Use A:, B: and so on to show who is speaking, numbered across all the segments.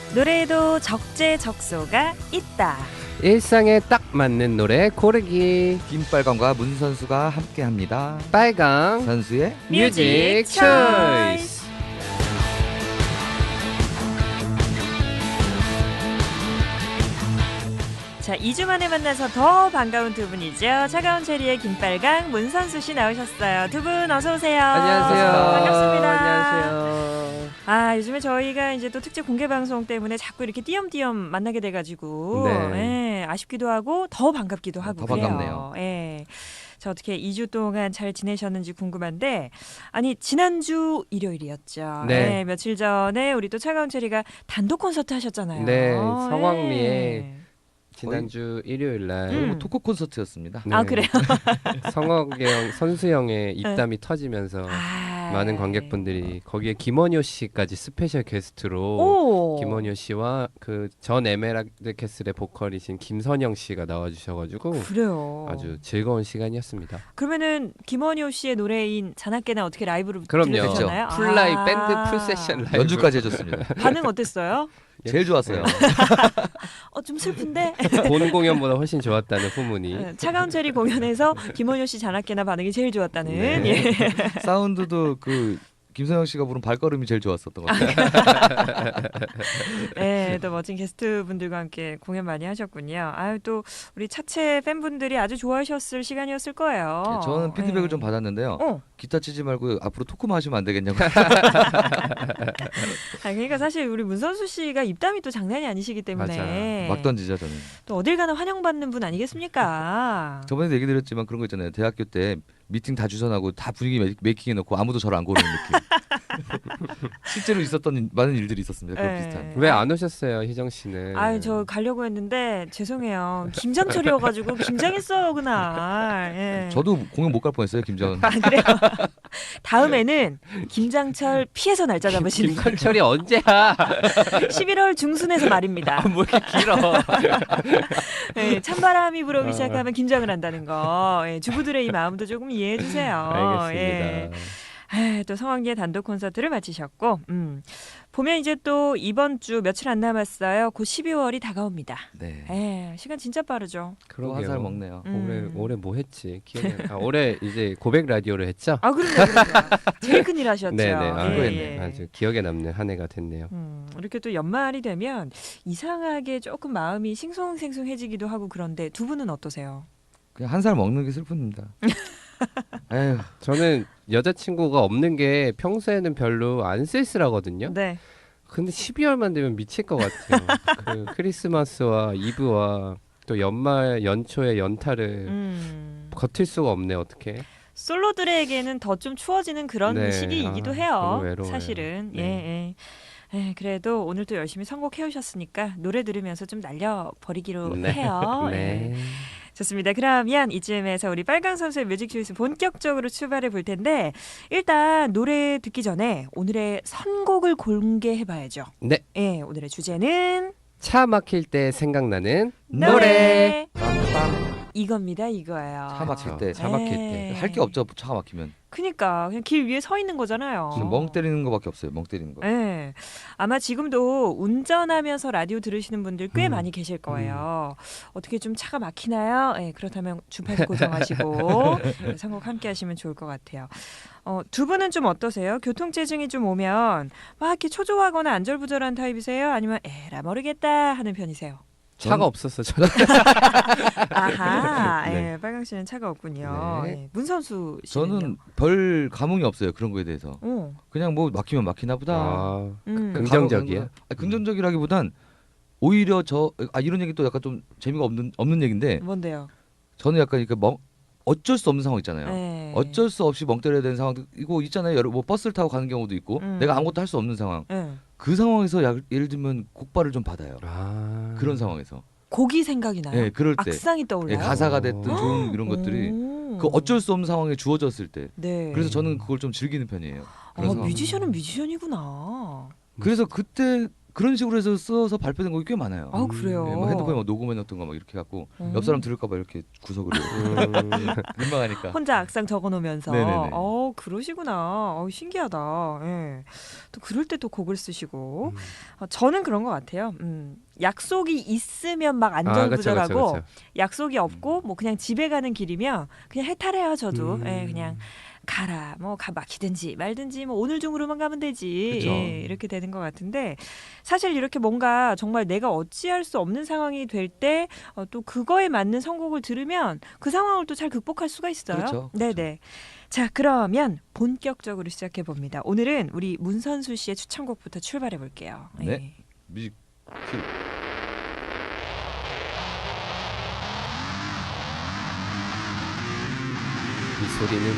A: 노래에도 적재적소가 있다.
B: 일상에 딱 맞는 노래 고르기.
C: 김빨강과 문선수가 함께합니다.
B: 빨강
C: 선수의
B: 뮤직 초이스.
A: 자, 2주 만에 만나서 더 반가운 두 분이죠. 차가운 체리의 김빨강, 문선수 씨 나오셨어요. 두 분 어서 오세요.
B: 안녕하세요.
A: 반갑습니다.
B: 안녕하세요.
A: 아, 요즘에 저희가 이제 또 특집 공개 방송 때문에 자꾸 이렇게 띄엄띄엄 만나게 돼가지고
B: 네.
A: 아쉽기도 하고 더 반갑기도 하고
C: 더
A: 그래요.
C: 반갑네요.
A: 예. 자, 어떻게 2주 동안 잘 지내셨는지 궁금한데, 아니 지난주 일요일이었죠.
B: 네.
A: 며칠 전에 우리 또 차가운 체리가 단독 콘서트 하셨잖아요.
B: 네, 성황리에
A: 예.
B: 지난주 일요일 날
C: 토크 콘서트였습니다.
B: 네.
A: 아, 그래요?
B: 성혁이 형, 선수 형의 입담이 터지면서 많은 관객분들이 거기에 김원효 씨까지 스페셜 게스트로
A: 오.
B: 김원효 씨와 그 전 에메랄드 캐슬의 보컬이신 김선영 씨가 나와주셔가지고
A: 그래요.
B: 아주 즐거운 시간이었습니다.
A: 그러면은 김원효 씨의 노래인 자나깨나 어떻게 라이브로
B: 그럼요.
A: 들으셨나요?
B: 풀라이 밴드 풀 세션 라이브
C: 연주까지 해줬습니다.
A: 반응 어땠어요?
C: 제일 좋았어요.
A: 좀 슬픈데.
B: 본 공연보다 훨씬 좋았다는 후문이.
A: 차가운 체리 공연에서 김원효 씨 자나깨나 반응이 제일 좋았다는.
B: 네.
A: 예.
C: 사운드도 그 김선영 씨가 부른 발걸음이 제일 좋았었던 것 같아요.
A: 네, 또 멋진 게스트 분들과 함께 공연 많이 하셨군요. 아유, 또 우리 차체 팬분들이 아주 좋아하셨을 시간이었을 거예요.
C: 네, 저는 피드백을
A: 예.
C: 좀 받았는데요.
A: 어.
C: 기타 치지 말고 앞으로 토크만 하시면 안 되겠냐고.
A: 그러니까 사실 우리 문선수 씨가 입담이 또 장난이 아니시기 때문에
C: 막 던지죠 저는.
A: 또 어딜 가나 환영받는 분 아니겠습니까?
C: 저번에도 얘기 드렸지만 그런 거 있잖아요. 대학교 때 미팅 다 주선하고 다 분위기 메이킹 해놓고 아무도 저를 안 고르는 느낌. 실제로 있었던 많은 일들이 있었습니다. 그런
A: 네.
C: 비슷한.
B: 왜 안 오셨어요, 희정 씨는?
A: 아유, 저 가려고 했는데 죄송해요. 김장철이어가지고 김장했어요 그날. 예.
C: 저도 공연 못 갈 뻔했어요. 김전.
A: 아, 그래요? 다음에는 김장철 피해서 날짜 잡으시는 거예요.
B: 김선철이 언제야?
A: 11월 중순에서 말입니다.
B: 뭐 이렇게 길어?
A: 예, 찬바람이 불어오기 시작하면 김장을 한다는 거. 예, 주부들의 이 마음도 조금 이해해 주세요.
B: 알겠습니다.
A: 또 성황리에 단독 콘서트를 마치셨고, 보면 이제 또 이번 주 며칠 안 남았어요. 곧 12월이 다가옵니다.
C: 네.
A: 시간 진짜 빠르죠.
C: 또 한 살 먹네요.
B: 올해 뭐 했지? 올해 이제 고백 라디오를 했죠?
A: 아, 그럼요. 제일 큰일 하셨죠.
B: 네네. 아주 기억에 남는 한 해가 됐네요.
A: 이렇게 또 연말이 되면 이상하게 조금 마음이 싱숭생숭해지기도 하고 그런데 두 분은 어떠세요?
C: 그냥 한 살 먹는 게 슬픕니다. 에휴.
B: 저는 여자친구가 없는 게 평소에는 별로 안 쓸쓸하거든요.
A: 네.
B: 근데 12월만 되면 미칠 것 같아요. 그 크리스마스와 이브와 또 연말 연초의 연타를 버틸 수가 없네 어떻게.
A: 솔로들에게는 더 좀 추워지는 그런
B: 네.
A: 시기이기도
B: 아,
A: 해요.
B: 너무 외로워요.
A: 사실은.
B: 네.
A: 그래도 오늘 또 열심히 선곡해 오셨으니까 노래 들으면서 좀 날려버리기로
B: 네.
A: 해요.
B: 네.
A: 좋습니다. 그러면 이쯤에서 우리 빨강 선수의 뮤직 초이스 본격적으로 출발해 볼 텐데 일단 노래 듣기 전에 오늘의 선곡을 공개해 봐야죠.
B: 네.
A: 예, 오늘의 주제는
B: 차 막힐 때 생각나는
A: 노래.
C: 빰빰.
A: 이겁니다. 이거예요.
C: 차 막힐 때.
B: 차 막힐
A: 네.
B: 때.
C: 할 게 없죠. 차가 막히면.
A: 그니까 그냥 길 위에 서 있는 거잖아요.
C: 지금 멍 때리는 거밖에 없어요. 멍 때리는 거.
A: 네. 아마 지금도 운전하면서 라디오 들으시는 분들 꽤 많이 계실 거예요. 어떻게 좀 차가 막히나요? 네, 그렇다면 주파수 고정하시고 선곡 함께 하시면 좋을 것 같아요. 두 분은 좀 어떠세요? 교통체증이 좀 오면 막 이렇게 초조하거나 안절부절한 타입이세요? 아니면 에라 모르겠다 하는 편이세요?
B: 차가 없었어. 저는.
A: 아하,
B: 네.
A: 빨강 씨는 차가 없군요.
B: 네.
A: 예, 문선수 씨는요?
C: 저는 별 감흥이 없어요. 그런 거에 대해서. 그냥 뭐 막히면 막히나 보다.
B: 아,
A: 긍정적이에요?
C: 긍정적이라기보단 오히려 이런 얘기 또 약간 좀 재미가 없는 얘기인데
A: 뭔데요?
C: 저는 약간 이렇게 어쩔 수 없는 상황 있잖아요.
A: 네.
C: 어쩔 수 없이 멍 때려야 되는 상황도 이거 있잖아요. 뭐 버스를 타고 가는 경우도 있고 내가 아무것도 할 수 없는 상황.
A: 네.
C: 그 상황에서 예를 들면 곡발을 좀 받아요. 그런 상황에서.
A: 곡이 생각이 나요?
C: 네, 그럴 때.
A: 악상이 떠올라요?
C: 네, 가사가 됐든 좋은 이런 것들이 그 어쩔 수 없는 상황에 주어졌을 때.
A: 네.
C: 그래서 저는 그걸 좀 즐기는 편이에요. 그런 상황.
A: 뮤지션은 뮤지션이구나.
C: 그래서 그때 그런 식으로 해서 써서 발표된 곡이 꽤 많아요.
A: 아 그래요.
C: 네, 뭐 핸드폰에 막 녹음해놨던 거 막 이렇게 갖고 옆 사람 들을까봐 이렇게 구석으로 민망하니까.
A: 혼자 악상 적어놓으면서.
C: 네네네.
A: 그러시구나. 신기하다. 예. 또 그럴 때 또 곡을 쓰시고. 저는 그런 것 같아요. 약속이 있으면 막 안절부절하고
B: 그쵸.
A: 약속이 없고 뭐 그냥 집에 가는 길이면 그냥 해탈해요. 저도. 예, 그냥 가라. 뭐 막히든지 말든지 뭐 오늘 중으로만 가면 되지.
C: 그쵸.
A: 예, 이렇게 되는 것 같은데 사실 이렇게 뭔가 정말 내가 어찌할 수 없는 상황이 될 때 또 그거에 맞는 선곡을 들으면 그 상황을 또 잘 극복할 수가 있어요.
C: 그렇죠.
A: 네네. 자 그러면 본격적으로 시작해 봅니다. 오늘은 우리 문선수 씨의 추천곡부터 출발해 볼게요.
C: 네. 뮤직 큐.
B: 이 소리는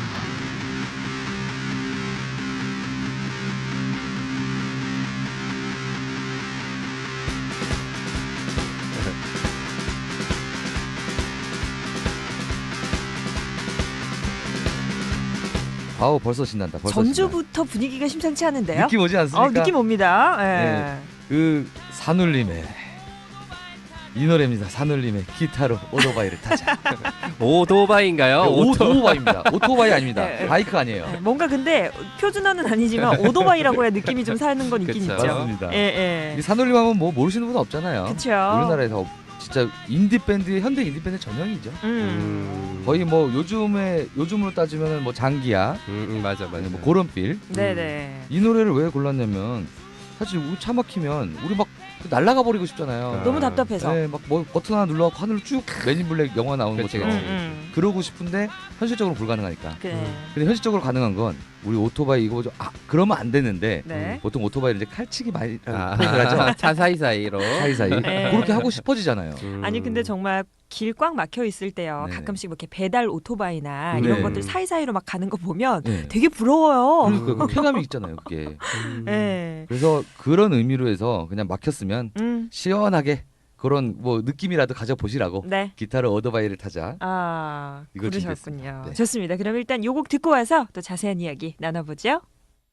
C: 아우 벌써 신난다. 벌써
A: 전주부터 분위기가 심상치 않은데요?
C: 느낌 오지 않습니까?
A: 느낌 옵니다. 예.
C: 네. 그 산울림의 이 노래입니다. 산울림의 기타로 오토바이를 타자.
B: 오토바이인가요?
C: 오토바이입니다. 오토바이 아닙니다.
A: 네.
C: 바이크 아니에요.
A: 네, 뭔가 근데 표준어는 아니지만 오토바이라고 해야 느낌이 좀 사는 건 있긴
B: 그쵸.
A: 있죠.
C: 맞습니다.
A: 예,
C: 이 산울림 하면 뭐 모르시는 분 없잖아요.
A: 그렇죠.
C: 우리나라에서 진짜 인디 밴드, 현대 인디 밴드 전형이죠. 거의 뭐 요즘으로 따지면 뭐 장기야,
B: 맞아.
C: 뭐 그런 필.
A: 네네.
C: 이 노래를 왜 골랐냐면 사실 우리 차 막히면 우리 막 날아가 버리고 싶잖아요.
A: 너무 답답해서.
C: 네, 막 뭐 버튼 하나 눌러갖고 하늘로 쭉 맨인블랙 영화 나오는
B: 그치,
C: 것처럼
B: 그치.
C: 그러고 싶은데 현실적으로 불가능하니까.
A: 그래.
C: 근데 현실적으로 가능한 건 우리 오토바이 이거 그러면 안 되는데
A: 네.
C: 보통 오토바이를 이제 칼치기 많이 표현을 하죠.
B: 차 사이사이로.
C: 사이사이
A: 네.
C: 그렇게 하고 싶어지잖아요.
A: 아니 근데 정말 길 꽉 막혀 있을 때요.
C: 네네.
A: 가끔씩 뭐 이렇게 배달 오토바이나
C: 네.
A: 이런 것들 사이사이로 막 가는 거 보면
C: 네.
A: 되게 부러워요.
C: 그러니까 그 쾌감이 있잖아요, 그게.
A: 네.
C: 그래서 그런 의미로 해서 그냥 막혔으면 시원하게 그런 뭐 느낌이라도 가져보시라고
A: 네.
C: 기타로 오토바이를 타자. 이걸
A: 그러셨군요.
C: 준비했습니다. 네.
A: 좋습니다. 그럼 일단 요 곡 듣고 와서 또 자세한 이야기 나눠보죠.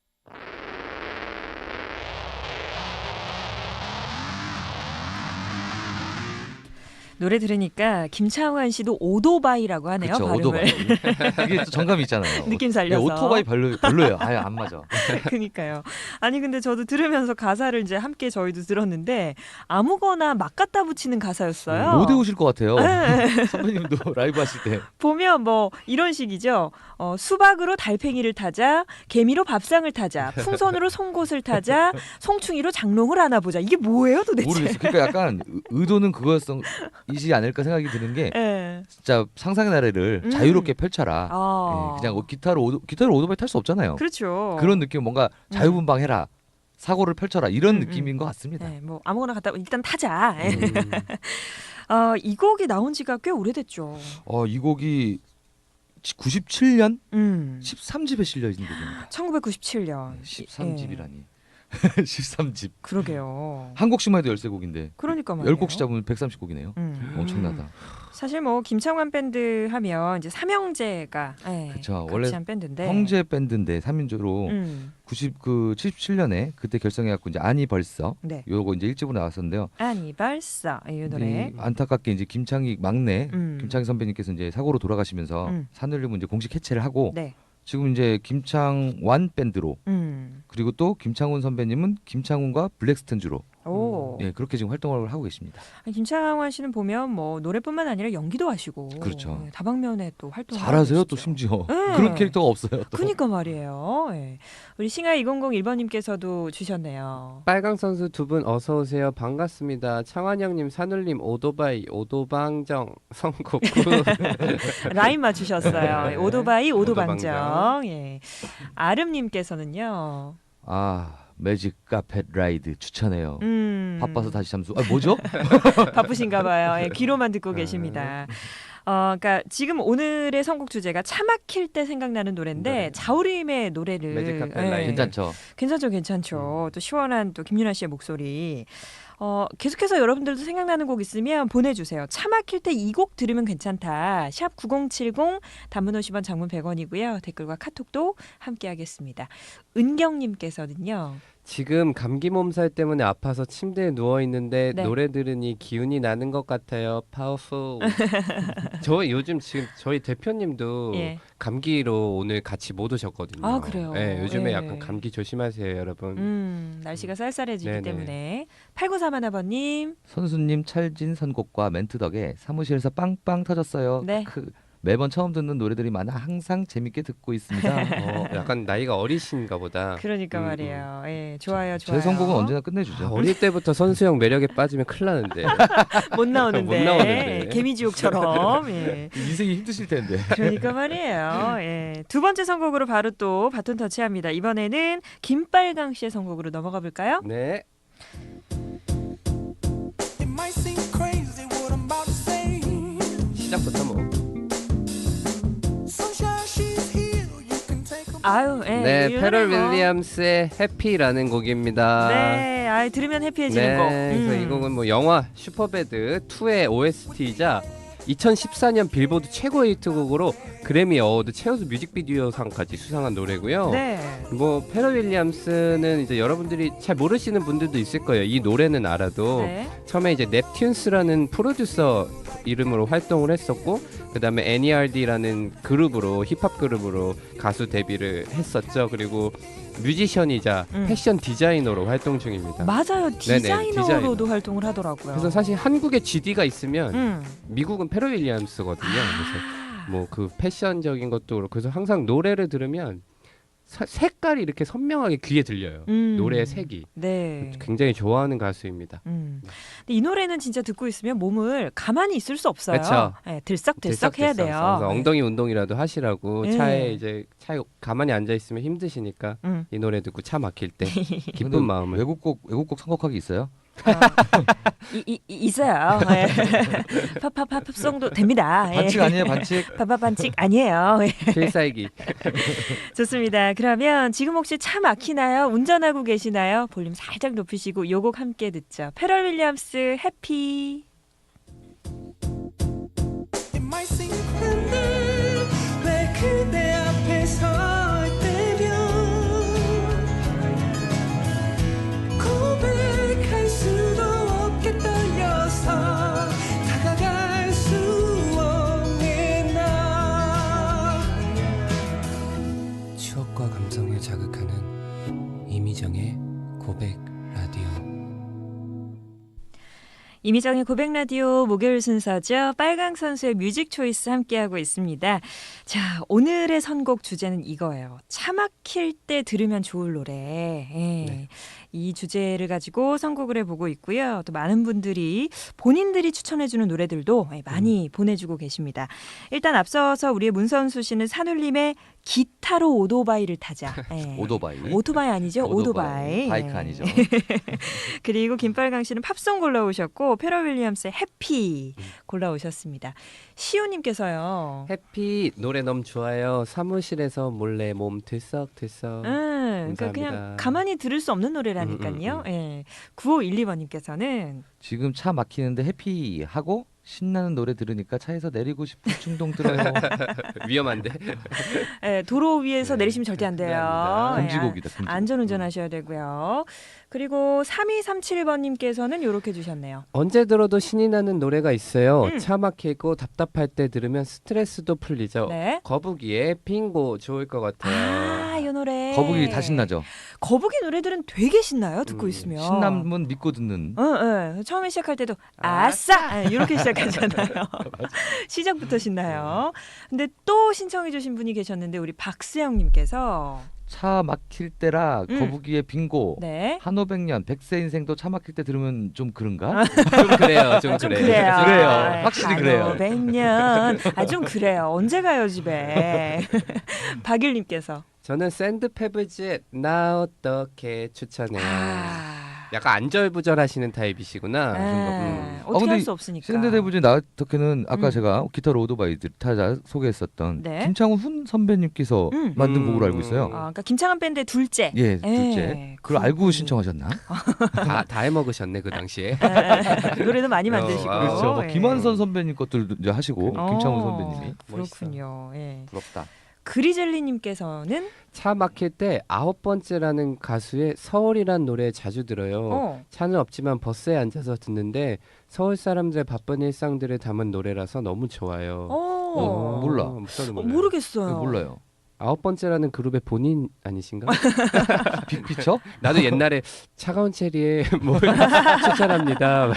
A: 노래 들으니까 김창완 씨도 오토바이라고 하네요.
C: 그렇죠,
A: 발음을.
C: 오토바이. 이게 또 정감이 있잖아요.
A: 느낌 살려서.
C: 네, 오토바이 별로예요. 아예 안 맞아.
A: 그러니까요. 아니 근데 저도 들으면서 가사를 이제 함께 저희도 들었는데 아무거나 막 갖다 붙이는 가사였어요.
C: 못 외우실 것 같아요.
A: 네.
C: 선배님도 라이브 하실 때.
A: 보면 뭐 이런 식이죠. 수박으로 달팽이를 타자, 개미로 밥상을 타자, 풍선으로 송곳을 타자, 송충이로 장롱을 안아보자. 이게 뭐예요 도대체?
C: 모르겠어요. 그러니까 약간 의도는 그거이지 않을까 생각이 드는 게
A: 네.
C: 진짜 상상의 나래를 자유롭게 펼쳐라. 예, 그냥 기타로 오토바이 탈 수 없잖아요.
A: 그렇죠.
C: 그런 느낌 뭔가 자유분방해라. 사고를 펼쳐라 이런 느낌인 것 같습니다.
A: 네, 뭐 아무거나 갖다 일단 타자. 이 곡이 나온 지가 꽤 오래됐죠.
C: 이 곡이 97년
A: 13집에
C: 13집에 실려 있는 곡입니다.
A: 1997년.
C: 13집이라니. 13집.
A: 그러게요.
C: 한 곡씩만 해도 13곡인데
A: 그러니까 말이에요.
C: 10곡씩 잡으면 130곡이네요. 엄청나다.
A: 사실 뭐 김창완 밴드 하면 이제 삼형제가
C: 그쵸.
A: 같이
C: 원래
A: 한 밴드인데
C: 형제 밴드인데 3인조로 77년에 그때 결성해갖고 이제 아니 벌써
A: 네.
C: 요거 이제 1집으로 나왔었는데요.
A: 아니 벌써 이 노래.
C: 안타깝게 이제 김창희 막내 김창희 선배님께서 이제 사고로 돌아가시면서 산울림은 이제 공식 해체를 하고
A: 네.
C: 지금 이제 김창완 밴드로 그리고 또 김창훈 선배님은 김창훈과 블랙스턴즈로 예, 그렇게 지금 활동을 하고 계십니다.
A: 아니, 김창완 씨는 보면 뭐 노래뿐만 아니라 연기도 하시고
C: 그렇죠.
A: 다방면에 또 활동을
C: 잘하세요
A: 하고
C: 또
A: 계시죠.
C: 심지어
A: 네.
C: 그런 캐릭터가 없어요. 또.
A: 그러니까 말이에요. 예. 우리 싱하 2001번님께서도 주셨네요.
B: 빨강 선수 두 분 어서 오세요. 반갑습니다. 창환 형님, 산울림, 오토바이, 오도방정 선곡.
A: 라인 맞추셨어요.
B: 네.
A: 오토바이, 오도방정.
B: 오도방정.
A: 예. 아름님께서는요.
C: 매직 카펫 라이드 추천해요. 바빠서 다시 잠수. 뭐죠?
A: 바쁘신가 봐요. 예, 귀로만 듣고 계십니다. 그러니까 지금 오늘의 선곡 주제가 차 막힐 때 생각나는 노래인데
B: 네.
A: 자우림의 노래를
B: 매직 카펫 라이드.
C: 괜찮죠.
A: 괜찮죠. 또 시원한 또 김윤아 씨의 목소리. 계속해서 여러분들도 생각나는 곡 있으면 보내주세요. 차 막힐 때 이 곡 들으면 괜찮다. 샵 9070 단문 50원 장문 100원이고요. 댓글과 카톡도 함께하겠습니다. 은경님께서는요.
B: 지금 감기 몸살 때문에 아파서 침대에 누워 있는데
A: 네.
B: 노래 들으니 기운이 나는 것 같아요. 파워풀. 저 요즘 지금 저희 대표님도
A: 예.
B: 감기로 오늘 같이 못 오셨거든요.
A: 아, 그래요?
B: 네, 요즘에
A: 예.
B: 약간 감기 조심하세요, 여러분.
A: 날씨가 쌀쌀해지기
B: 네네.
A: 때문에 8931번님
C: 선수님 찰진 선곡과 멘트 덕에 사무실에서 빵빵 터졌어요.
A: 네.
C: 매번 처음 듣는 노래들이 많아 항상 재밌게 듣고 있습니다.
B: 약간 나이가 어리신가 보다.
A: 그러니까 말이에요. 예, 좋아요,
C: 제
A: 좋아요.
C: 선곡은 언제나 끝내주죠.
B: 어릴 때부터 선수형 매력에 빠지면 큰일 나는데.
A: 못 나오는데,
B: 못 나오는데.
A: 개미지옥처럼. 예.
C: 인생이 힘드실 텐데.
A: 그러니까 말이에요. 예. 두 번째 선곡으로 바로 또 바톤 터치합니다. 이번에는 김빨강 씨의 선곡으로 넘어가 볼까요?
B: 네.
D: It might seem crazy what I'm about to say.
B: 시작부터 뭐.
D: Sunshine, she's here. You can take a
A: 아유, 예.
B: 네,
A: 이
B: 페럴
A: 노래 뭐.
B: 윌리엄스의 해피라는 곡입니다.
A: 네, 들으면 해피해지는 곡.
B: 그래서 이 곡은 뭐 영화 슈퍼배드 2의 OST이자 2014년 빌보드 최고의 히트곡으로 그래미 어워드 최우수 뮤직비디오상까지 수상한 노래고요.
A: 네.
B: 뭐 페럴 윌리엄스는 이제 여러분들이 잘 모르시는 분들도 있을 거예요. 이 노래는 알아도
A: 네.
B: 처음에 이제 넵튠스라는 프로듀서 이름으로 활동을 했었고 그다음에 NERD라는 그룹으로 힙합 그룹으로 가수 데뷔를 했었죠. 그리고 뮤지션이자 패션 디자이너로 활동 중입니다.
A: 맞아요. 디자이너로도
B: 디자이너.
A: 활동을 하더라고요.
B: 그래서 사실 한국에 GD가 있으면
A: 음.
B: 미국은 페럴 윌리엄스거든요. 그래서 뭐 그 패션적인 것도 그렇고 그래서 항상 노래를 들으면 색깔이 이렇게 선명하게 귀에 들려요. 노래의 색이.
A: 네.
B: 굉장히 좋아하는 가수입니다.
A: 근데 이 노래는 진짜 듣고 있으면 몸을 가만히 있을 수 없어요.
B: 그쵸.
A: 네, 들썩들썩 해야 돼요.
B: 그래서 엉덩이 운동이라도 하시라고
A: 네.
B: 차에 가만히 앉아 있으면 힘드시니까
A: 음.
B: 이 노래 듣고 차 막힐 때
C: 근데
B: 기쁜 마음을.
C: 외국곡 선곡하기 있어요?
A: 있어요. 예. 팝송도 됩니다. 예.
C: 반칙 아니에요, 반칙?
A: 반칙 아니에요. 예.
B: 필살기.
A: 좋습니다. 그러면 지금 혹시 차 막히나요? 운전하고 계시나요? 볼륨 살짝 높이시고 요 곡 함께 듣죠. 페럴 윌리엄스 해피.
D: It might seem cruel 왜 그대 앞에 설 때면 고백할 수도 없게 떨려서 다가갈 수 없는 나.
B: 추억과 감성을 자극하는 이미정의 고백 라디오.
A: 이미정의 고백 라디오 목요일 순서죠. 빨강 선수의 뮤직 초이스 함께하고 있습니다. 자, 오늘의 선곡 주제는 이거예요. 차 막힐 때 들으면 좋을 노래. 예.
B: 네.
A: 이 주제를 가지고 선곡을 해보고 있고요. 또 많은 분들이 본인들이 추천해주는 노래들도 많이 보내주고 계십니다. 일단 앞서서 우리의 문선수 씨는 산울림의 기타로 오토바이를 타자. 예. 오토바이 아니죠? 오토바이.
C: 바이크
A: 예.
C: 아니죠.
A: 그리고 김빨강 씨는 팝송 골라오셨고 페럴 윌리엄스의 해피 골라오셨습니다. 시우님께서요.
B: 해피 노래 너무 좋아요. 사무실에서 몰래 몸 들썩들썩.
A: 그러니까 그냥 가만히 들을 수 없는 노래라니까요. 예. 9512번님께서는
C: 지금 차 막히는데 해피하고 신나는 노래 들으니까 차에서 내리고 싶은 충동 들어요.
B: 위험한데.
A: 예, 도로 위에서
B: 네.
A: 내리시면 절대 안 돼요.
B: 네,
C: 금지곡이다. 금지곡.
A: 안전운전하셔야 되고요. 그리고 3237번님께서는 이렇게 주셨네요.
B: 언제 들어도 신이 나는 노래가 있어요. 차 막히고 답답할 때 들으면 스트레스도 풀리죠.
A: 네.
B: 거북이의 빙고 좋을 것 같아요.
A: 이 노래.
C: 거북이 다 신나죠.
A: 거북이 노래들은 되게 신나요. 듣고 있으면.
C: 신남은 믿고 듣는.
A: 처음에 시작할 때도 아싸 이렇게 시작하잖아요. 시작부터 신나요. 근데 또 신청해 주신 분이 계셨는데 우리 박수영님께서
C: 차 막힐 때라 거북이의 빙고.
A: 네.
C: 한오백년 백세 인생도 차 막힐 때 들으면 좀 그런가?
B: 좀 그래요. 좀
A: 좀
B: 그래요.
A: 그래요.
C: 그래요. 확실히 그래요.
A: 100년. 좀 그래요. 언제 가요 집에. 박일님께서.
B: 저는 샌드페블즈의 나 어떻게 추천해요. 약간 안절부절하시는 타입이시구나.
A: 어떻게
C: 근데
A: 할 수 없으니까.
C: 샌드데브즈 나우터케는 아까 제가 기타로 오토바이 타자 소개했었던
A: 네.
C: 김창훈 선배님께서 만든 곡으로 알고 있어요.
A: 그러니까 김창완 밴드의 둘째.
C: 예, 둘째. 그걸 알고 신청하셨나?
B: 다 해먹으셨네 그 당시에.
A: 노래도 많이 만드시고.
C: 그렇죠. 뭐
A: 예.
C: 김한선 선배님 것들 이제 하시고 김창훈 선배님이
A: 그렇군요. 예.
C: 부럽다.
A: 그리젤리님께서는
B: 차 막힐 때 9번째라는 가수의 서울이란 노래 자주 들어요. 차는 없지만 버스에 앉아서 듣는데 서울 사람들의 바쁜 일상들을 담은 노래라서 너무 좋아요.
C: 몰라.
B: 저도 몰라요.
A: 모르겠어요.
C: 몰라요.
B: 9번째라는 그룹의 본인 아니신가?
C: 빅피처?
B: 나도 옛날에 차가운 체리에 뭘 추천합니다.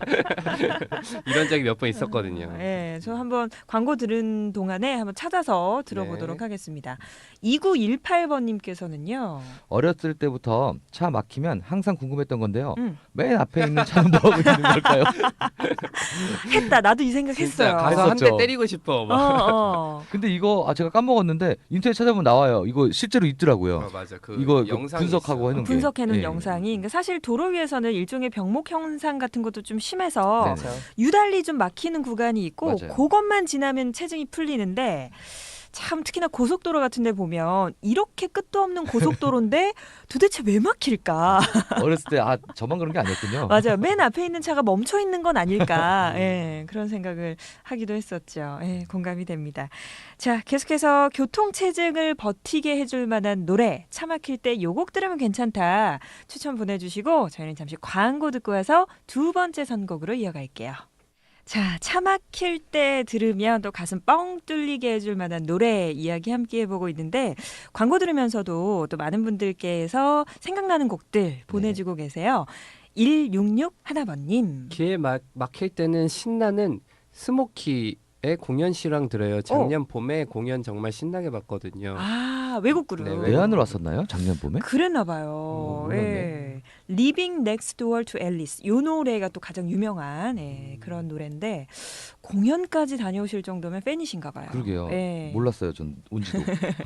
B: 이런 적이 몇 번 있었거든요.
A: 네, 저 한번 광고 들은 동안에 한번 찾아서 들어보도록
B: 네.
A: 하겠습니다. 2918번님께서는요.
C: 어렸을 때부터 차 막히면 항상 궁금했던 건데요. 맨 앞에 있는 차는 뭐 하고 있는 걸까요?
A: 했다. 나도 이
B: 진짜
A: 생각했어요.
B: 가서 한 대
C: 했었죠.
B: 때리고 싶어. 막.
C: 근데 이거 제가 까먹었는데 인터넷 찾아보면 나와요. 이거 실제로 있더라고요.
B: 맞아. 그
C: 이거
B: 영상이
C: 분석하고
B: 있어요.
C: 해놓은 게.
A: 분석해놓은
C: 예.
A: 영상이 그러니까 사실 도로 위에서는 일종의 병목 현상 같은 것도 좀 심해서
C: 네네.
A: 유달리 좀 막히는 구간이 있고
C: 맞아요.
A: 그것만 지나면 체증이 풀리는데 참 특히나 고속도로 같은 데 보면 이렇게 끝도 없는 고속도로인데 도대체 왜 막힐까?
C: 어렸을 때 저만 그런 게 아니었군요.
A: 맞아요. 맨 앞에 있는 차가 멈춰 있는 건 아닐까? 예, 그런 생각을 하기도 했었죠. 예, 공감이 됩니다. 자, 계속해서 교통 체증을 버티게 해줄 만한 노래, 차 막힐 때 요 곡 들으면 괜찮다 추천 보내주시고 저희는 잠시 광고 듣고 와서 두 번째 선곡으로 이어갈게요. 자, 차 막힐 때 들으면 또 가슴 뻥 뚫리게 해줄 만한 노래 이야기 함께 해보고 있는데 광고 들으면서도 또 많은 분들께서 생각나는 곡들 보내주고 계세요. 166 하나번님.
B: 기회 막힐 때는 신나는 스모키의 공연 실황 들어요. 작년 봄에 공연 정말 신나게 봤거든요.
A: 아, 외국 그룹.
B: 네,
C: 외환으로 왔었나요? 작년 봄에?
A: 그랬나 봐요.
C: 몰랐네.
A: 예. Living Next Door to Alice. 이 노래가 또 가장 유명한 그런 노래인데 공연까지 다녀오실 정도면 팬이신가 봐요.
C: 그러게요.
A: 예.
C: 몰랐어요. 전 온지도.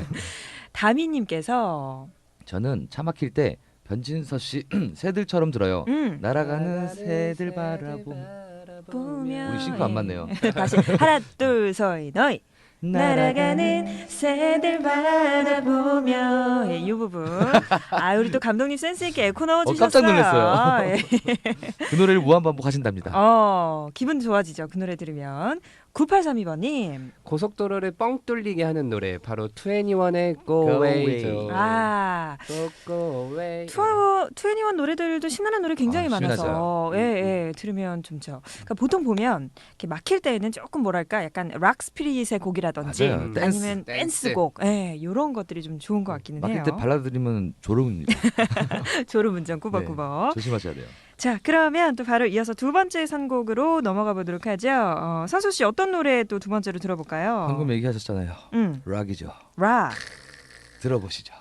A: 다미님께서
C: 저는 차 막힐 때 변진서 씨 새들처럼 들어요. 날아가는 새들
A: 보면
C: 우리 싱크 안 맞네요.
A: 다시 하나 둘셋 너희 날아가는 새들 바라보며 이 부분 아 우리 또 감독님 센스 있게 에코 넣어주셨어요.
C: 깜짝 놀랐어요.
A: 예.
C: 그 노래를 무한반복하신답니다.
A: 기분 좋아지죠. 그 노래 들으면 9832번님
B: 고속도로를 뻥 뚫리게 하는 노래 바로 21의 Go Away죠.
A: 아
B: Go Away.
A: 21 노래들도 신나는 노래 굉장히 많아서
C: 신나죠.
A: 예, 들으면 좋죠. 그러니까 보통 보면 이렇게 막힐 때는 조금 뭐랄까 약간 락 스피릿의 곡이라든지
C: 맞아요.
A: 아니면
B: 댄스.
A: 댄스곡 이런 것들이 좀 좋은 것 같기는
C: 막힐
A: 해요.
C: 때 발라드 들으면 졸음입니다.
A: 졸음운전 꾸벅꾸벅.
C: 조심하셔야 돼요.
A: 자 그러면 또 바로 이어서 두 번째 선곡으로 넘어가 보도록 하죠. 선수 씨 어떤 노래 또 두 번째로 들어볼까요?
C: 방금 얘기하셨잖아요. 락이죠.
A: 락.
C: 들어보시죠.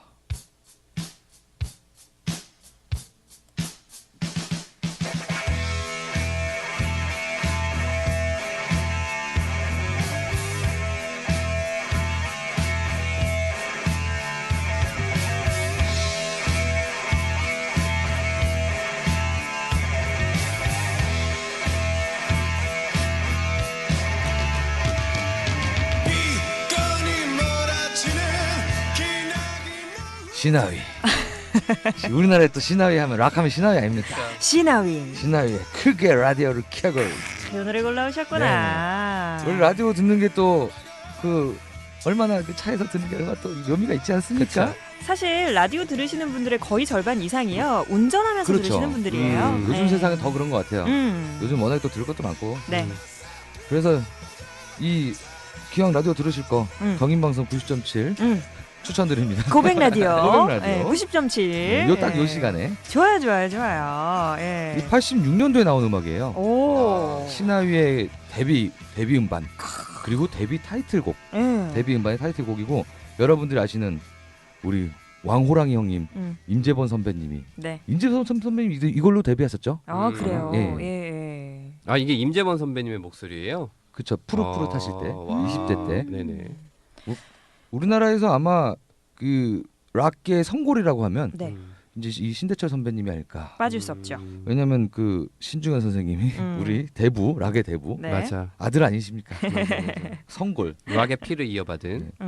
C: 시나위. 우리나라에 또 시나위 하면 락하면 시나위 아닙니까?
A: 시나윈.
C: 시나위에 크게 라디오를 켜고
A: 이 노래 골라오셨구나.
C: 원래 라디오 듣는 게 또 그 얼마나 그 차에서 듣는 게 얼마나 또 묘미가 있지 않습니까?
B: 그쵸.
A: 사실 라디오 들으시는 분들의 거의 절반 이상이요 운전하면서
C: 그렇죠.
A: 들으시는 분들이에요.
C: 요즘 세상은 더 그런 것 같아요.
A: 음.
C: 요즘 워낙에 또 들을 것도 많고.
A: 네.
C: 그래서 이 기왕 라디오 들으실 거 경인방송 90.7
A: 음.
C: 추천드립니다.
A: 고백 라디오.
C: 고백 라디오.
A: 네, 90.7.
C: 요 딱 요 시간에.
A: 좋아요. 예.
C: 이 86년도에 나온 음악이에요.
A: 오.
C: 신하위의 데뷔 음반 그리고 데뷔 타이틀곡. 데뷔 음반의 타이틀곡이고 여러분들이 아시는 우리 왕호랑이 형님 임재범 선배님이
A: 네.
C: 임재범 선배님 이걸로 데뷔하셨죠?
A: 아 그래요.
C: 예.
A: 예.
B: 아 이게 임재범 선배님의 목소리예요?
C: 그쵸. 푸릇푸릇 하실 때
B: 와.
C: 20대 때
B: 네네.
C: 우리나라에서 아마 그 락계 성골이라고 하면
A: 네.
C: 이제 이 신대철 선배님이 아닐까.
A: 빠질 수 없죠.
C: 왜냐면 그 신중현 선생님이 우리 대부 락의 대부
A: 네.
B: 맞아.
C: 아들 아니십니까?
B: 맞아.
C: 성골.
B: 락의 피를 이어받은.
C: 네.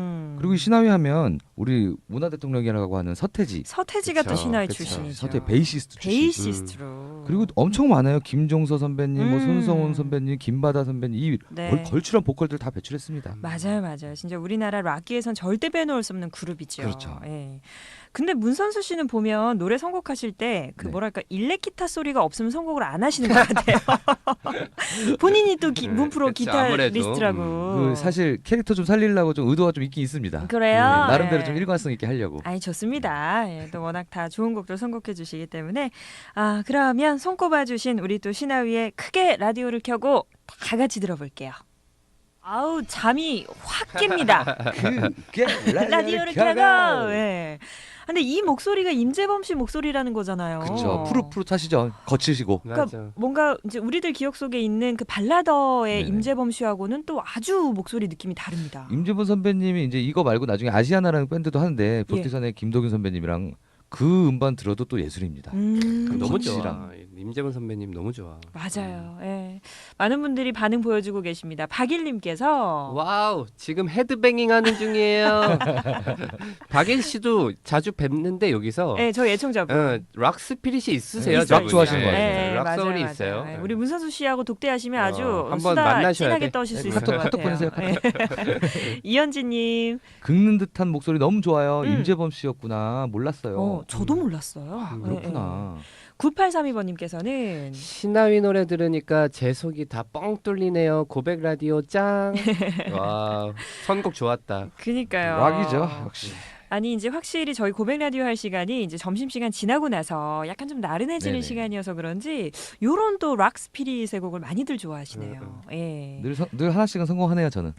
C: 그리고 신하위 하면 우리 문화 대통령이라고 하는 서태지가
A: 또
B: 그쵸,
A: 신화의
B: 그쵸.
A: 출신이죠.
C: 서태 베이시스트 출신.
A: 베이시스트로.
C: 그리고 엄청 많아요. 김종서 선배님, 뭐
A: 음.
C: 손성훈 선배님, 김바다 선배님 이
A: 네.
C: 걸출한 보컬들 다 배출했습니다.
A: 맞아요. 진짜 우리나라 락기에선 절대 빼놓을 수 없는 그룹이죠.
C: 그렇죠.
A: 예. 근데 문선수 씨는 보면 노래 선곡하실 때 그
C: 네.
A: 뭐랄까 일렉 기타 소리가 없으면 선곡을 안 하시는 것 같아요. 본인이 또 문프로
B: 그쵸, 아무래도.
A: 기타리스트라고.
C: 그 사실 캐릭터 좀 살리려고 좀 의도가 좀 있긴 있습니다.
A: 그래요?
C: 나름대로
A: 예.
C: 좀 일관성 있게 하려고.
A: 아니 좋습니다. 예, 또 워낙 다 좋은 곡들 선곡해 주시기 때문에 그러면 손꼽아 주신 우리 또 신하위의 크게 라디오를 켜고 다 같이 들어볼게요. 아우 잠이 확 깹니다.
C: 그게
A: 라디오를 켜고. 예. 근데 이 목소리가 임재범 씨 목소리라는 거잖아요.
C: 그렇죠. 푸릇푸릇하시죠. 거치시고.
B: 맞아.
A: 뭔가 이제 우리들 기억 속에 있는 그 발라더의
C: 네네.
A: 임재범 씨하고는 또 아주 목소리 느낌이 다릅니다.
C: 임재범 선배님이 이제 이거 말고 나중에 아시아나라는 밴드도 하는데 볼티선의 김도균 선배님이랑 그 음반 들어도 또 예술입니다.
B: 너무
C: 거칠이랑.
B: 좋아. 임재범 선배님 너무 좋아.
A: 맞아요. 예. 많은 분들이 반응 보여주고 계십니다. 박일님께서
B: 와우, 지금 헤드뱅잉 하는 중이에요. 박일 씨도 자주 뵙는데 여기서
A: 네, 저희 애청자분.
B: 락 스피릿이 있으세요.
C: 락
B: 저분이.
C: 좋아하시는 것 같아요.
B: 네, 락
A: 맞아요,
B: 소울이
A: 맞아요.
B: 있어요.
A: 네, 우리 문선수 씨하고 독대하시면 아주
B: 한번
A: 수다
B: 만나셔야
A: 진하게
B: 돼.
A: 떠실 수
C: 네,
A: 있을 것
C: 카톡
A: 같아요.
C: 보내세요,
A: 네. 이현지님,
C: 긁는 듯한 목소리 너무 좋아요.
A: 음.
C: 임재범 씨였구나. 몰랐어요.
A: 저도 몰랐어요.
C: 그렇구나.
A: 9832번님께서는
B: 신하위 노래 들으니까 제 속이 다 뻥 뚫리네요. 고백 라디오 짱. 와, 선곡 좋았다.
A: 그니까요.
C: 락이죠, 역시.
A: 아니 이제 확실히 저희 고백 라디오 할 시간이 이제 점심 시간 지나고 나서 약간 좀 나른해지는
C: 네네.
A: 시간이어서 그런지 요런 또 락 스피릿의 곡을 많이들 좋아하시네요. 예.
C: 늘 하나씩은 성공하네요, 저는.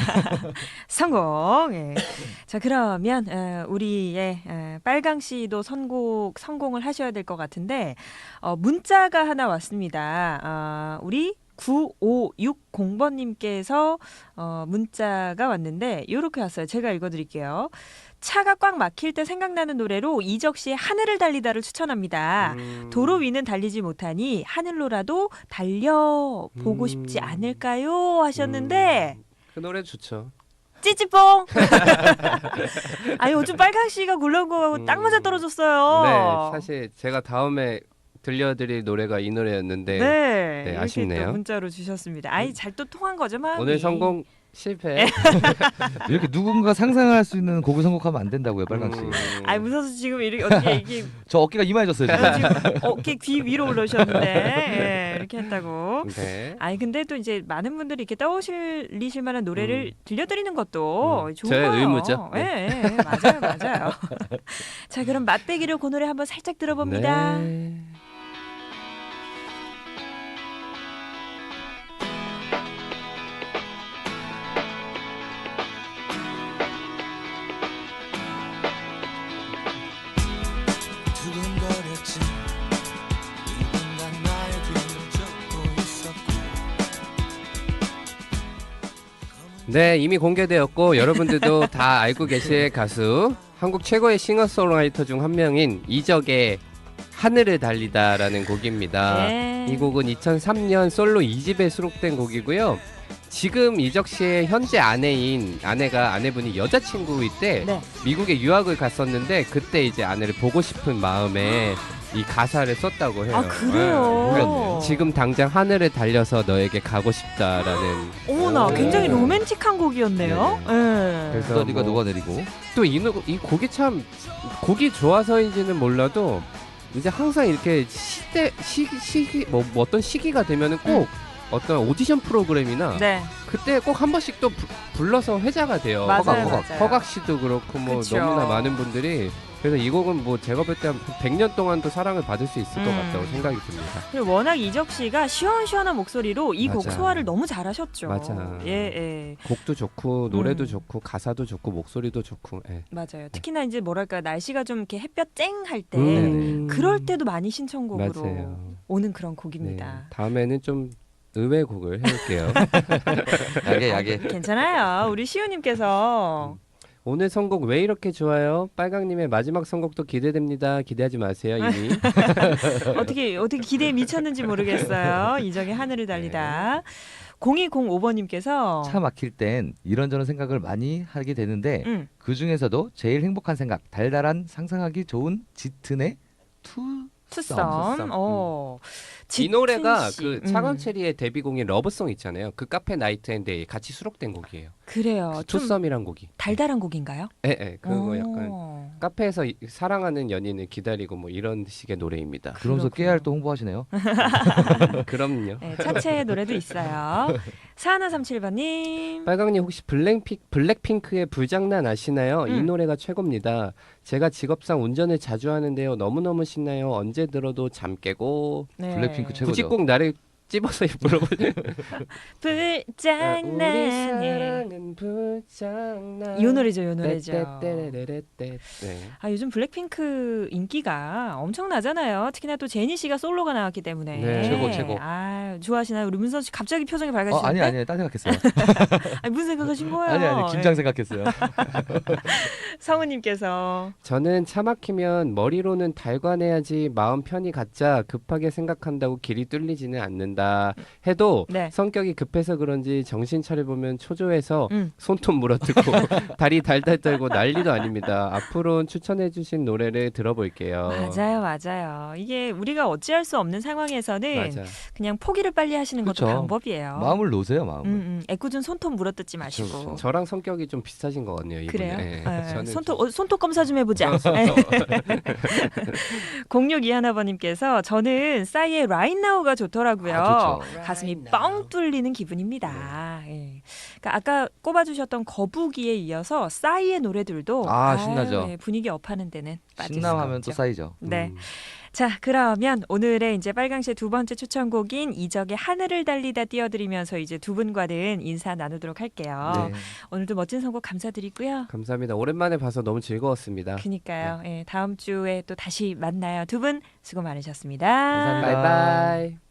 A: 성공. 예. 자 그러면 우리의 빨강 씨도 성공을 하셔야 될 것 같은데 문자가 하나 왔습니다. 우리 9560번님께서 문자가 왔는데 이렇게 왔어요. 제가 읽어드릴게요. 차가 꽉 막힐 때 생각나는 노래로 이적 씨의 하늘을 달리다를 추천합니다. 도로 위는 달리지 못하니 하늘로라도 달려보고 싶지 않을까요? 하셨는데
B: 그 노래 좋죠.
A: 찌찌뽕. 아니 요즘 빨강 씨가 굴러온 거하고 딱 맞아 떨어졌어요.
B: 네, 사실 제가 다음에 들려드릴 노래가 이 노래였는데
A: 네, 이렇게
B: 아쉽네요.
A: 또 문자로 주셨습니다. 아이 잘 또 통한 거죠, 마음이.
B: 오늘 성공 실패.
C: 이렇게 누군가 상상할 수 있는 곡을 선곡하면 안 된다고요, 빨강 씨.
A: 아이 무서워서 지금 이렇게 어떻게 이게
C: 저 어깨가 이마해졌어요, 지금.
A: 지금 어깨 귀 위로 올라오셨는데 예, 이렇게 했다고.
B: 네.
A: 아니 근데 또 이제 많은 분들이 이렇게 떠오르실 만한 노래를 들려드리는 것도 좋은
B: 저의
A: 거예요.
B: 의무죠.
A: 예, 맞아요. 자 그럼 맛배기로 그 노래 한번 살짝 들어봅니다.
B: 네.
D: 두근거렸지 누군가 나의 뒤를 쫓고 있었고
B: 네, 이미 공개되었고 여러분들도 다 알고 계실 가수, 한국 최고의 싱어송라이터 중 한 명인 이적의 하늘을 달리다라는 곡입니다.
A: 네.
B: 이 곡은 2003년 솔로 2집에 수록된 곡이고요. 지금 이적 씨의 현재 아내분이 여자친구일 때
A: 네.
B: 미국에 유학을 갔었는데 그때 이제 아내를 보고 싶은 마음에 이 가사를 썼다고 해요.
A: 아 그래요.
C: 몰랐네요.
B: 지금 당장 하늘을 달려서 너에게 가고 싶다라는.
A: 어머나
C: 오.
A: 굉장히 로맨틱한 곡이었네요. 예.
B: 그래서
C: 썰이가
B: 뭐
C: 녹아내리고.
B: 또 이 곡이 참 곡이 좋아서인지는 몰라도 이제 항상 이렇게 시기 뭐 어떤 시기가 되면은 꼭 어떤 오디션 프로그램이나
A: 네.
B: 그때 꼭 한 번씩 또 불러서 회자가 돼요.
A: 맞아요,
C: 허각.
A: 맞아요.
B: 허각 씨도 그렇고 뭐
A: 그쵸.
B: 너무나 많은 분들이. 그래서 이 곡은 뭐 제가 볼 때 한 100년 동안도 사랑을 받을 수 있을 것 같다고 생각이 듭니다.
A: 그리고 워낙 이적 씨가 시원시원한 목소리로 이 곡
B: 맞아.
A: 소화를 너무 잘하셨죠.
B: 맞아.
A: 예.
B: 곡도 좋고 노래도
A: 음.
B: 좋고 가사도 좋고 목소리도 좋고. 예.
A: 맞아요. 특히나 이제 뭐랄까 날씨가 좀 이렇게 햇볕 쨍할 때 그럴 때도 많이 신청곡으로
B: 맞아요.
A: 오는 그런
B: 네.
A: 곡입니다.
B: 다음에는 좀 의외 곡을 해볼게요.
C: 야게.
A: 괜찮아요. 우리 시우님께서
B: 오늘 선곡 왜 이렇게 좋아요? 빨강님의 마지막 선곡도 기대됩니다. 기대하지 마세요 이미.
A: 어떻게 기대에 미쳤는지 모르겠어요. 이적의 하늘을 달리다. 0205번님께서
C: 차 막힐 땐 이런저런 생각을 많이 하게 되는데 그 중에서도 제일 행복한 생각, 달달한 상상하기 좋은 짙은의
A: 투썸.
B: 이 노래가
A: 씨.
B: 그 차건체리의 데뷔곡인 러브송 있잖아요. 그 카페 나이트 앤 데이 같이 수록된 곡이에요.
A: 그래요.
B: 그
A: 좀
B: 투썸이란 곡이.
A: 달달한 곡인가요?
B: 예, 그거 약간
A: 오.
B: 카페에서 사랑하는 연인을 기다리고 뭐 이런 식의 노래입니다.
C: 그러면서
A: 그렇군요.
C: 깨알 또 홍보하시네요.
B: 그럼요.
A: 네, 차체 노래도 있어요. 4137번님.
B: 빨강님 혹시 블랙핑크의 불장난 아시나요? 이 노래가 최고입니다. 제가 직업상 운전을 자주 하는데요. 너무너무 신나요. 언제 들어도 잠 깨고.
A: 네.
C: 블랙핑크 최고죠.
B: 굳이 꼭 나를 찝어서 물어보세요.
A: 불장난.
B: 우리
A: 네.
B: 사랑은 불장난.
A: 요 노래죠, 요 노래죠.
B: 떼떼떼레레떼. 네.
A: 아, 요즘 블랙핑크 인기가 엄청나잖아요. 특히나 또 제니 씨가 솔로가 나왔기 때문에.
B: 네.
C: 최고.
A: 아, 좋아하시나요? 우리 문선 씨 갑자기 표정이 밝아지는데?
C: 아니 딴 생각했어요.
A: 아니, 무슨 생각하신 거예요?
C: 아니 김장 생각했어요.
A: 성우님께서
B: 저는 차 막히면 머리로는 달관해야지 마음 편히 갖자 급하게 생각한다고 길이 뚫리지는 않는다 해도
A: 네.
B: 성격이 급해서 그런지 정신 차려보면 초조해서
A: 음.
B: 손톱 물어뜯고 다리 달달 떨고 난리도 아닙니다. 앞으로는 추천해주신 노래를 들어볼게요.
A: 맞아요. 이게 우리가 어찌할 수 없는 상황에서는
B: 맞아.
A: 그냥 포기를 빨리 하시는 것도
C: 그쵸.
A: 방법이에요.
C: 마음을 놓으세요, 마음을.
A: 애꿎은 손톱 물어뜯지 마시고.
C: 그쵸.
B: 저랑 성격이 좀 비슷하신 것 같네요. 이분이.
A: 그래요?
B: 네.
A: 네.
B: 저는
A: 손톱 검사 좀 해보자. 0621번님께서 저는 싸이의 Right Now가 좋더라고요.
C: 좋죠.
A: 가슴이 뻥 뚫리는 기분입니다. 예. 그러니까 아까 꼽아주셨던 거북이에 이어서 싸이의 노래들도
C: 신나죠.
A: 예, 분위기 업하는 데는 빠질 수가
C: 신남하면
A: 없죠.
C: 또 쌓이죠.
A: 네. 자, 그러면 오늘의 이제 빨강시의 두 번째 추천곡인 이적의 하늘을 달리다 띄워드리면서 이제 두 분과는 인사 나누도록 할게요.
C: 네.
A: 오늘도 멋진 선곡 감사드리고요.
B: 감사합니다. 오랜만에 봐서 너무 즐거웠습니다.
A: 그니까요. 예, 다음 주에 또 다시 만나요. 두 분 수고 많으셨습니다.
C: 감사합니다.
B: 바이바이.